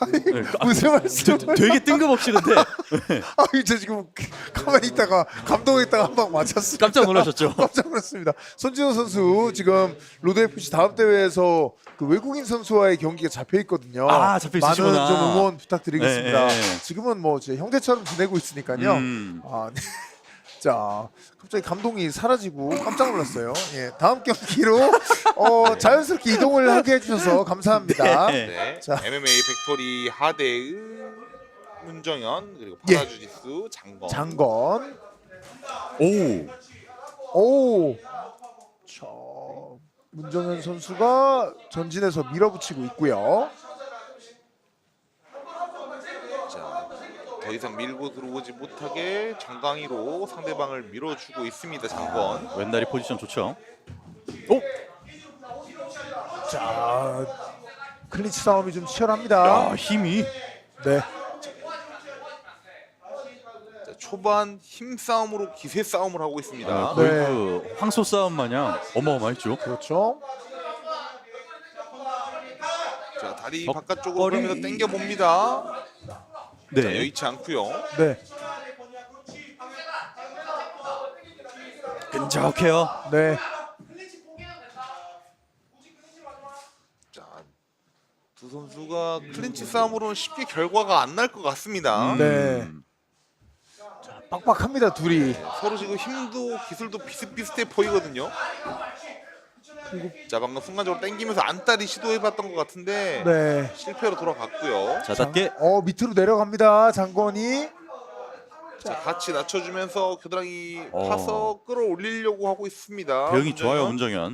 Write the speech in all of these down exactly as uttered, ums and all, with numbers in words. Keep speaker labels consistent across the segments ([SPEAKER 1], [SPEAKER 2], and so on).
[SPEAKER 1] 네,
[SPEAKER 2] 무슨 말씀을?
[SPEAKER 1] 되게 뜬금없이 근데
[SPEAKER 2] 아, 이제 지금 가만히 있다가 감동했다가 한 방 맞췄습니다.
[SPEAKER 1] 깜짝 놀라셨죠?
[SPEAKER 2] 깜짝 놀랐습니다. 손진호 선수 지금 로드에프씨 다음 대회에서 그 외국인 선수와의 경기가 잡혀 있거든요.
[SPEAKER 1] 아, 잡혀 있으시구나.
[SPEAKER 2] 많은 좀 응원 부탁드리겠습니다.
[SPEAKER 1] 네, 네.
[SPEAKER 2] 지금은 뭐 제 형제처럼 지내고 있으니까요.
[SPEAKER 1] 음.
[SPEAKER 2] 아, 네. 자, 갑자기 감동이 사라지고 깜짝 놀랐어요. 예, 다음 경기로 어, 자연스럽게 이동을 하게 해주셔서 감사합니다.
[SPEAKER 1] 네.
[SPEAKER 3] 네.
[SPEAKER 2] 자.
[SPEAKER 3] 엠엠에이 팩토리 하대의 문정현 그리고
[SPEAKER 2] 예.
[SPEAKER 3] 파라주지수 장건.
[SPEAKER 2] 장건.
[SPEAKER 1] 오.
[SPEAKER 2] 오. 자, 문정현 선수가 전진해서 밀어붙이고 있고요.
[SPEAKER 3] 자, 더 이상 밀고 들어오지 못하게 정강이로 상대방을 밀어주고 있습니다. 장건.
[SPEAKER 1] 왼다리 포지션 좋죠. 오.
[SPEAKER 2] 자, 클린치 싸움이 좀 치열합니다.
[SPEAKER 1] 야, 힘이.
[SPEAKER 2] 네.
[SPEAKER 3] 자, 초반 힘 싸움으로 기세 싸움을 하고 있습니다.
[SPEAKER 1] 아, 거의
[SPEAKER 2] 네.
[SPEAKER 1] 그 황소 싸움 마냥 어마어마했죠.
[SPEAKER 2] 그렇죠.
[SPEAKER 3] 자, 다리
[SPEAKER 1] 덕거리.
[SPEAKER 3] 바깥쪽으로 그러면서 당겨 봅니다. 자,
[SPEAKER 1] 네.
[SPEAKER 3] 여의치 않고요.
[SPEAKER 2] 네.
[SPEAKER 1] 끈적해요.
[SPEAKER 2] 네.
[SPEAKER 3] 자, 두 선수가 클린치 싸움으로는 쉽게 결과가 안 날 것 같습니다.
[SPEAKER 2] 네. 자, 빡빡합니다, 둘이.
[SPEAKER 3] 서로 지금 힘도 기술도 비슷비슷해 보이거든요. 자, 방금 순간적으로 당기면서 안따리 시도해봤던 것 같은데
[SPEAKER 2] 네.
[SPEAKER 3] 실패로 돌아갔고요.
[SPEAKER 1] 자, 낮게.
[SPEAKER 2] 어, 밑으로 내려갑니다. 장건이.
[SPEAKER 3] 자, 같이 낮춰주면서 겨드랑이
[SPEAKER 1] 어.
[SPEAKER 3] 파서 끌어올리려고 하고 있습니다.
[SPEAKER 1] 대응이 좋아요,
[SPEAKER 3] 문정현.
[SPEAKER 1] 문정현.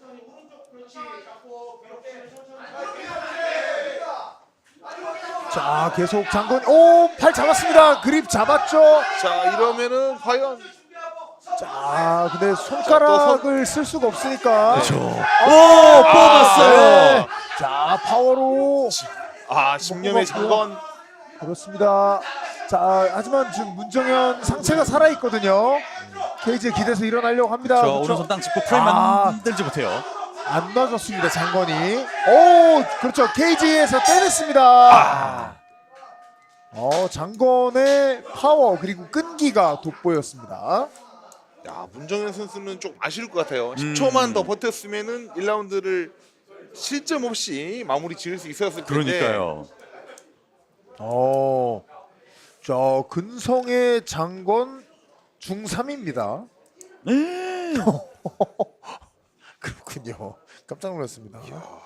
[SPEAKER 2] 자, 계속 장건이. 오, 팔 잡았습니다. 그립 잡았죠.
[SPEAKER 3] 자, 이러면은 과연
[SPEAKER 2] 자, 근데 손가락을 쓸 수가 없으니까.
[SPEAKER 1] 그렇죠. 오, 뽑았어요.
[SPEAKER 2] 네. 자, 파워로.
[SPEAKER 3] 아, 십념의 장건.
[SPEAKER 2] 그렇습니다. 자, 하지만 지금 문정현 상체가 살아 있거든요. 케이지에 기대서 일어나려고 합니다.
[SPEAKER 1] 저
[SPEAKER 2] 그렇죠?
[SPEAKER 1] 오른손 땅 짚고 프레임
[SPEAKER 2] 아.
[SPEAKER 1] 만들지 못해요.
[SPEAKER 2] 안 놔줬습니다, 장건이. 오, 그렇죠. 케이지에서 빼냈습니다. 어, 장건의 파워 그리고 끈기가 돋보였습니다.
[SPEAKER 3] 야, 문정현 선수는 좀 아쉬울 것 같아요.
[SPEAKER 1] 음.
[SPEAKER 3] 십 초만 더 버텼으면은 일 라운드를 실점 없이 마무리 지을 수 있었을 텐데.
[SPEAKER 1] 그러니까요.
[SPEAKER 2] 어, 자, 근성의 장건 중삼입니다. 그렇군요. 깜짝 놀랐습니다.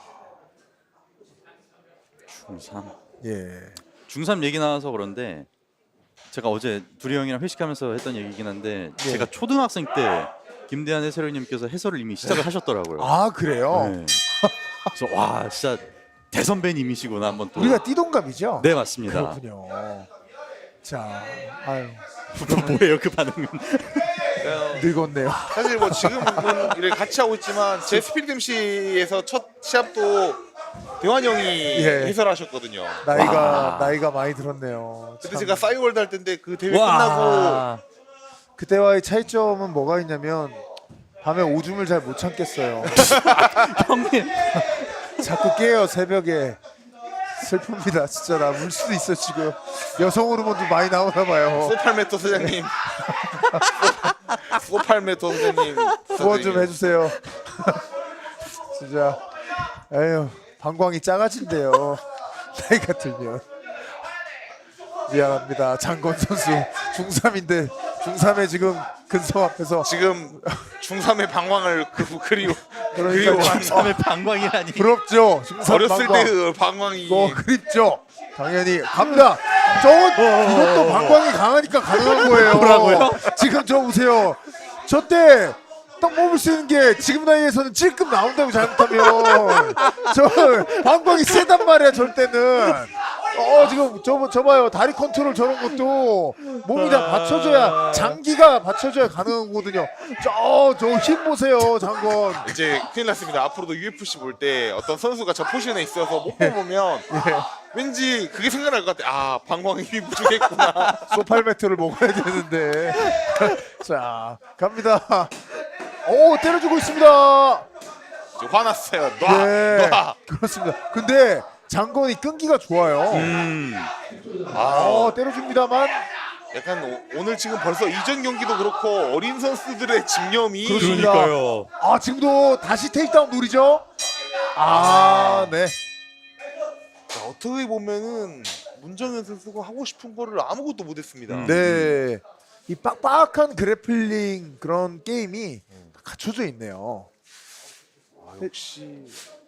[SPEAKER 1] 중삼.
[SPEAKER 2] 예.
[SPEAKER 1] 중삼 얘기 나와서 그런데 제가 어제 두리 형이랑 회식하면서 했던 얘기긴 한데
[SPEAKER 2] 예.
[SPEAKER 1] 제가 초등학생 때 김대한 해설위원님께서 해설을 이미 시작을 하셨더라고요.
[SPEAKER 2] 아, 그래요?
[SPEAKER 1] 네. 그래서 와 진짜 대선배님이시구나 한번 또.
[SPEAKER 2] 우리가 띠동갑이죠?
[SPEAKER 1] 네 맞습니다.
[SPEAKER 2] 그렇군요. 자, 아유,
[SPEAKER 1] 뭐예요 그 반응은?
[SPEAKER 2] 늙었네요.
[SPEAKER 3] 사실 뭐 지금은 일을 같이 하고 있지만 제 스피드 엠씨에서 첫 시합도 대환 형이
[SPEAKER 2] 예.
[SPEAKER 3] 해설하셨거든요.
[SPEAKER 2] 나이가
[SPEAKER 1] 와.
[SPEAKER 2] 나이가 많이 들었네요.
[SPEAKER 3] 그때
[SPEAKER 2] 참.
[SPEAKER 3] 제가 싸이월드 할 때인데 그 대회
[SPEAKER 1] 와.
[SPEAKER 3] 끝나고
[SPEAKER 2] 그때와의 차이점은 뭐가 있냐면 밤에 오줌을 잘 못 참겠어요.
[SPEAKER 1] 형님
[SPEAKER 2] 자꾸 깨요 새벽에. 슬픕니다. 진짜 나 울 수도 있어 지금. 여성 호르몬도 많이 나오나 봐요.
[SPEAKER 3] 소팔메토 소장님, 소팔메토 소장님
[SPEAKER 2] 후원 좀 해주세요. 진짜 에휴 방광이 작아진대요. 나이가 들면. 미안합니다. 장건 선수 중삼인데 중삼에 지금 근성 앞에서
[SPEAKER 3] 지금 중삼의 방황을 그 그리워
[SPEAKER 2] 그러니까요.
[SPEAKER 3] 그리워
[SPEAKER 1] 중삼의 방광이라니.
[SPEAKER 2] 부럽죠. 중삼
[SPEAKER 3] 어렸을
[SPEAKER 2] 방광.
[SPEAKER 3] 때 그 방황이
[SPEAKER 2] 어 그립죠. 당연히 갑니다. 저건 이것도 방광이 강하니까 가능한 거예요.
[SPEAKER 1] 뭐라고요?
[SPEAKER 2] 지금 저 보세요. 저 때 딱 뽑을 수 있는 게 지금 나이에서는 찔끔 나온다고 잘못하면 저 방광이 세단 말이야. 절 때는 어 지금 저, 저 봐요. 다리 컨트롤 저런 것도 몸이 다 받쳐줘야 장기가 받쳐줘야 가능한 거거든요. 저 저 힘 보세요. 장건.
[SPEAKER 3] 이제 큰일 났습니다. 앞으로도 유에프씨 볼 때 어떤 선수가 저 포지션에 있어서 못 뽑으면 왠지 그게 생각날 것 같아. 아, 방광이 힘이 부족했구나.
[SPEAKER 2] 소팔매트를 먹어야 되는데. 자 갑니다. 오 때려주고 있습니다.
[SPEAKER 3] 지금 화났어요. 놔,
[SPEAKER 2] 네
[SPEAKER 3] 놔.
[SPEAKER 2] 그렇습니다. 근데 장건이 끈기가 좋아요.
[SPEAKER 1] 음.
[SPEAKER 3] 아,
[SPEAKER 2] 어, 때려줍니다만
[SPEAKER 3] 약간 오, 오늘 지금 벌써 이전 경기도 그렇고 어린 선수들의 집념이
[SPEAKER 2] 그렇습니다.
[SPEAKER 1] 그러니까요.
[SPEAKER 2] 아 지금도 다시 테이크다운 노리죠. 아 네.
[SPEAKER 3] 자, 어떻게 보면은 문정현 선수가 하고 싶은 거를 아무것도 못했습니다.
[SPEAKER 1] 음.
[SPEAKER 2] 네. 이 빡빡한 그래플링 그런 게임이 다 갖춰져 있네요.
[SPEAKER 3] 아, 역시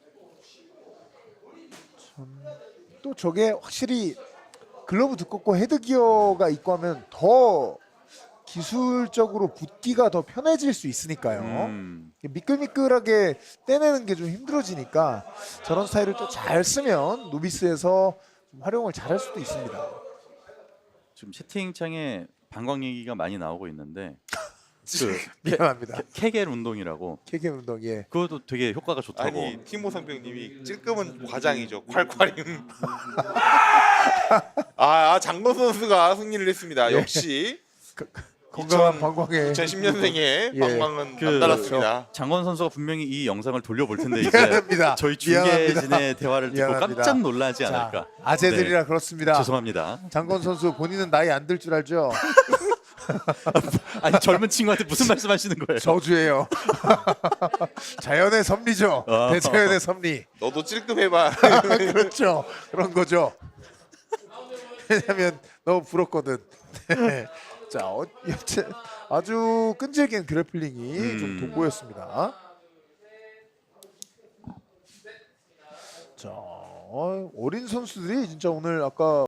[SPEAKER 2] 또 저게 확실히 글러브 두껍고 헤드 기어가 있고 하면 더 기술적으로 붙기가 더 편해질 수 있으니까요.
[SPEAKER 1] 음.
[SPEAKER 2] 미끌미끌하게 떼내는 게 좀 힘들어지니까 저런 스타일을 또 잘 쓰면 노비스에서 좀 활용을 잘 할 수도 있습니다.
[SPEAKER 1] 지금 채팅창에 방광 얘기가 많이 나오고 있는데 그
[SPEAKER 2] 미안합니다.
[SPEAKER 1] 케, 케겔 운동이라고
[SPEAKER 2] 케게 운동 예.
[SPEAKER 1] 그것도 되게 효과가 좋다고.
[SPEAKER 3] 아니 티모 상병님이 찔끔은 과장이죠. 콸콸임. 아, 아 장건 선수가 승리를 했습니다.
[SPEAKER 2] 예.
[SPEAKER 3] 역시
[SPEAKER 2] 건강한
[SPEAKER 3] 이천-
[SPEAKER 2] 방광에
[SPEAKER 3] 이천십 년생의
[SPEAKER 2] 예.
[SPEAKER 3] 방광은
[SPEAKER 1] 그-
[SPEAKER 3] 남달랐습니다.
[SPEAKER 1] 장건 선수가 분명히 이 영상을 돌려볼 텐데 이제
[SPEAKER 2] 미안합니다.
[SPEAKER 1] 저희
[SPEAKER 2] 미안합니다.
[SPEAKER 1] 중계진의 대화를 듣고
[SPEAKER 2] 미안합니다.
[SPEAKER 1] 깜짝 놀라지
[SPEAKER 2] 자,
[SPEAKER 1] 않을까.
[SPEAKER 2] 아재들이라
[SPEAKER 1] 네.
[SPEAKER 2] 그렇습니다.
[SPEAKER 1] 죄송합니다.
[SPEAKER 2] 장건 선수 본인은 나이 안 들 줄 알죠?
[SPEAKER 1] 아니 젊은 친구한테 무슨 말씀하시는 거예요?
[SPEAKER 2] 저주예요. 자연의 섭리죠.
[SPEAKER 1] 아.
[SPEAKER 2] 대자연의 섭리.
[SPEAKER 3] 너도 찔끔해봐.
[SPEAKER 2] 그렇죠. 그런 거죠. 왜냐면 너무 부럽거든. 네. 자, 어, 여튼 아주 끈질긴 그래플링이
[SPEAKER 1] 음.
[SPEAKER 2] 좀 돋보였습니다. 자, 어, 어린 선수들이 진짜 오늘 아까